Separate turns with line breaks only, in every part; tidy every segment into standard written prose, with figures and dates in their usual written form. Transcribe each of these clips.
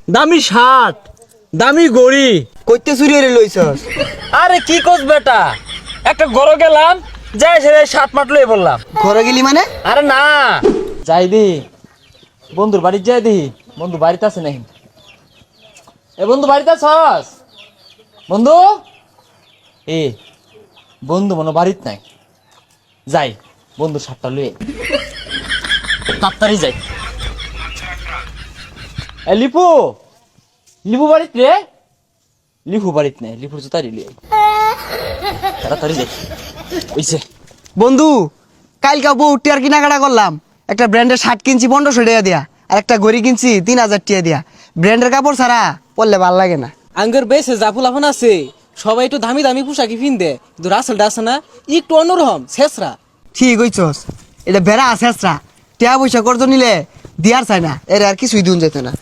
দামি শার্ট, দামি গড়ি।
কইতে চুরি হয়ে লইছস?
আরে কি কোস বেটা, একটা গরো গেলাম, যাই সে শার্ট মাট লই বললাম।
ঘরে গেলি মানে?
আরে না, যাই দি বন্ধুর বাড়ি, যাই দি বন্ধু বাড়িতে আছে নাকি। এ বন্ধু বাড়িতে আছস? বন্ধু এ বন্ধু মনে বাড়িত নাই, যাই বন্ধু শার্টটা লুয়ে তাড়াতাড়ি যাই। এ লিপু, লিপু বাড়িত রে? লিপু বাড়িত নেই, লিপুর জুতারি লুয়ে তাড়াতাড়ি যাই। ওইছে
বন্ধু, কালকে বউ টিয়ার কেনাকাটা করলাম, একটা ব্র্যান্ডের শার্ট কিনছি 1500 টাকা দিয়া, আর একটা ঘড়ি কিনছি 3000 টাকা দিয়া। ব্র্যান্ডের কাপড় ছাড়া পরলে ভাল লাগে না।
আঙ্গের বেশে জাফুল আফান আছে, সবাই একটু দামি দামি পোশাকি পিনদে, কিন্তু রাসেলটা আছে না একটু অন্যরকম শেষরা।
ঠিক হইছস, এটা বেড়া আছে আসরা, টিয়া পয়সা করতো নিলে দিয়ার চাই না, এর আর কিছুই দুন যেত না।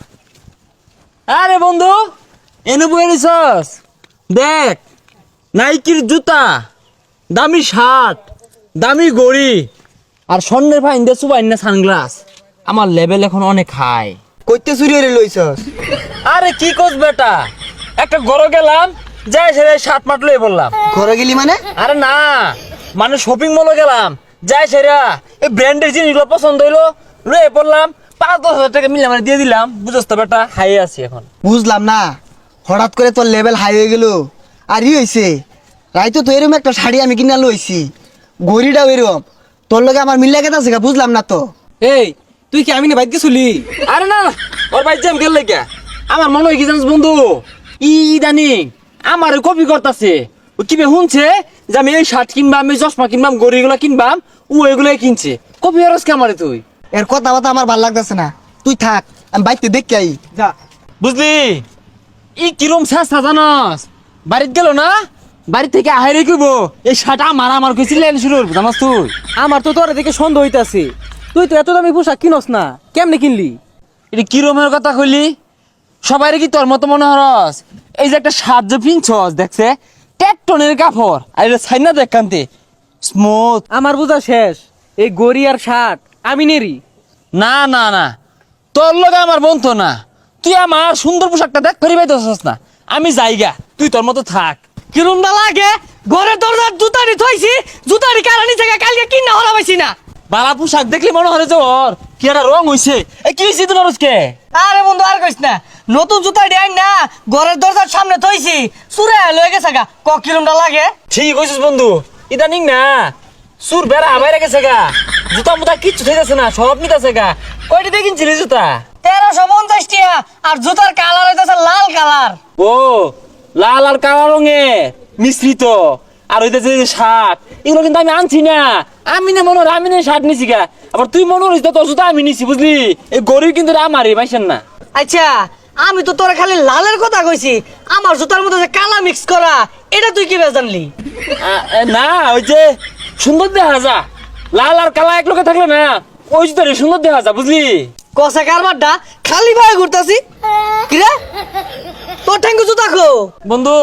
আরে বন্ধু এনে বয়ে নিছস, দেখ নাইকির জুতা, দামি শার্ট, দামি গড়ি, আর স্বর্ণের ভাই ইন্দে সুবাইন না সানগ্লাস। আমার লেভেল এখন অনেক হাই।
কইতে চুরি হয়ে লইছস?
আরে কি কোস বেটা, একটা গরো গেলাম, যাই সে শার্ট মাট লই বললাম।
ঘরে গেলি মানে?
আরে না, মানে শপিং মলে গেলাম, যাই সেরা এই ব্র্যান্ডের জিনিসগুলো পছন্দ হইলো, লয়ে পড়লাম, 5-10 হাজার টাকা মিলে মানে দিয়ে দিলাম। বুঝছ তো বেটা, হাই আছি এখন।
বুঝলাম না, হঠাৎ করে তোর লেভেল হাই হয়ে গেল। আর ই হয়েছে, রাইতো তো এরকম একটা শাড়ি আমি কিনা লইছি, ঘড়িটাও এরকম, তোর লগে আমার মিল্লা কেতা আছে বুঝলাম না তো।
এই তুই কি আমি না বাইক গেছিলি?
আরে না, ওর ভাই জ্যাম গেল লেগে আমার মনে হয় কি জানিস বন্ধু, ইদানিং আমার কপি করতেছে। ও কি শুনছে যে আমি এই শার্ট কিনবাম, আমি চশমা কিনবাম, গড়িগুলো কিনবাম, ও এগুলাই কিনছে। কপি হরস কে আমারে তুই?
এর কথা বাতা আমার ভাল লাগতেছে না, তুই থাক, আমি বাইকতে দেখতে আই।
যা।
বুঝলি ই কিরম চেষ্টা জানস, বাড়িতে গেল না, বাড়ি থেকে আহারে কইব এই শার্ট আমার আমার কইছিলেন শুরু জানাস তুই।
আমার তো তোর দেখে সন্দেহ হইতাছে, তুই তো এত দামি পোশাক কিনস না, কেমনে কিনলি?
এটা কিরমের কথা কইলি? সবাই কি তোর মতো মনে হরস? এই যে একটা শার্ট যে পিনছস দেখছে, টেকটনের কাপড়, আর এটা ছাইনা দেখ কান্তে স্মুথ।
আমার বোঝা শেষ, এই গড়ি আর শার্ট আমি নেরি।
না না না, তোর লগে আমার বন্ধু না, তুই আমার সুন্দর পোশাকটা দেখ ফেরি পাইতেছস না। আমি যাইগা, তুই তোর মতো থাক।
কিরম না লাগে, ঘরের দরজার জুতারি থইছি, জুতারি কারানি থেকে কালকে কিনা হলা পাইছি না।
বালা পোশাক দেখলি মনে হয় যে ওর কি একটা রং হইছে। এ কি হইছে তোর আজকে?
আরে বন্ধু আর কইস না, নতুন জুতা ডিয়াই না ঘরের দরজার সামনে থইছি, চুরে লয়ে গেছে গা, ক কিরমটা লাগে।
ঠিক কইছিস বন্ধু, ইদানিং না সুর বেড়া বাইরে গেছে গা, জুতা মুতা কিচ্ছু থাকতেছে না, সব নিতেছে গা। কয়টি দিয়ে কিনছিলি জুতা?
1350 টাকা, আর জুতার কালার হইতাছে লাল কালার।
ও লাল আর কালো রঙের মিশ্রিত, আর হইতেছে যে শার্ট, এগুলো কিন্তু আমি আনছি না। আমি না মনে হয় আমি না শার্ট নিছি গা, আবার তুই মনে হইস তোর জুতা আমি নিছি, বুঝলি? এই গরিব কিন্তু আমারই পাইছেন না।
আচ্ছা আমি তো তোরা খালি লালের কথা কইছি, আমার জুতার মধ্যে যে কালা মিক্স করা, এটা তুই কি জানলি?
না ওই যে সুন্দর দেখা যা, লাল আর কালা এক লোকে থাকলে না ওই জুতারে সুন্দর দেখা যা, বুঝলি?
কষা কারবারটা খালি ভাবে ঘুরতাছি কিরে, তোর ঠ্যাঙ্গু জুতা খো।
বন্ধু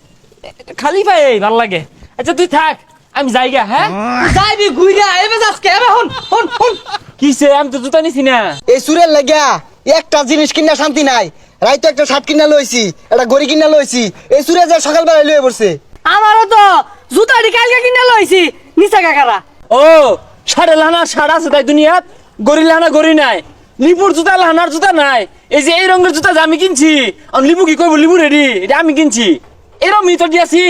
খালি পাই ভাল লাগে। আচ্ছা তুই থাক, আমি যাইগা। হ্যাঁ
যাইবি ঘুইরা এবে যাসকে, এবে হন হন হন।
কিসে, আমি তো জুতা নিছি না।
এই সুরের লাগিয়া একটা জিনিস কিনা শান্তি নাই, রাইতো একটা শার্ট কিনা লইছি, একটা ঘড়ি কিনা লইছি, এই সুরে যা সকালবেলা লয়ে পড়ছে।
আমারও তো জুতাটি কালকে কিনে লইছি, নিচা কাকারা।
ও সাড়ে লাহানার সাড় আছে তাই দুনিয়াত, গড়ি লাহানা গড়ি নাই, লিপুর জুতা লাহানার জুতা নাই। এই যে এই রঙের জুতা যে আমি কিনছি, আর লিপু কি কইব লিপু রেডি, এটা আমি কিনছি, এরম মিতর দিয়াছি।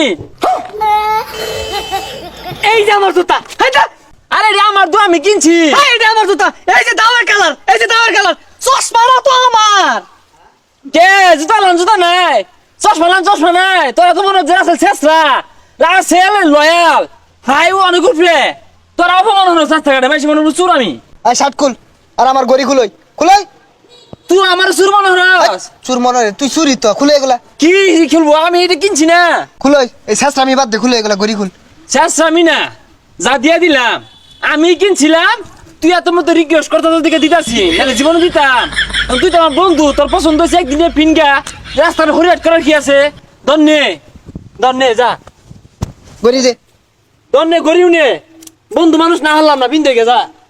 এই যে আমার জুতা, হাইটা।
আরে রে আমার তো আমি কিনছি।
এই যে আমার জুতা, এই যে দামের কালার, এই যে দামের কালার, চশমাটা তো আমার।
কে জুতা লান জুতা নাই, চশমা লান চশমা নাই, তোরা তো মনে হচ্ছে রাসেল শেষরা, রাসেল লয়াল হাই ও অনেক উঠবে, তোরা অপমান হলো চার টাকাটা বেশি মনে হলো চুর আমি।
আর শার্ট খুল, আর আমার ঘড়ি খুলই খুলই।
তুই আমার চুর মনে হস?
চুর মনে হয় তুই চুরি তো, খুলে এগুলা
কি খেলবো, আমি এটা কিনছি না।
খুলই, এই শেষ আমি বাদ দে, খুলে এগুলা ঘড়ি খুল।
শেষ আমি না, যা দিয়া দিলাম আমি কিনছিলাম, তুই এত মতো রিকোয়েস্ট করতে তোর দিকে দিতাছি, নাহলে জীবনে দিতাম। তুই তো আমার বন্ধু, তোর পছন্দ হয়েছে একদিনে ফিনগা রাস্তার হরিয়াট করার কি আছে? ধন্যে ধন্যে যা
ঘড়ি দে।
ধন্যে গরিব নে, বন্ধু মানুষ না হলাম না, বিন্দু যা।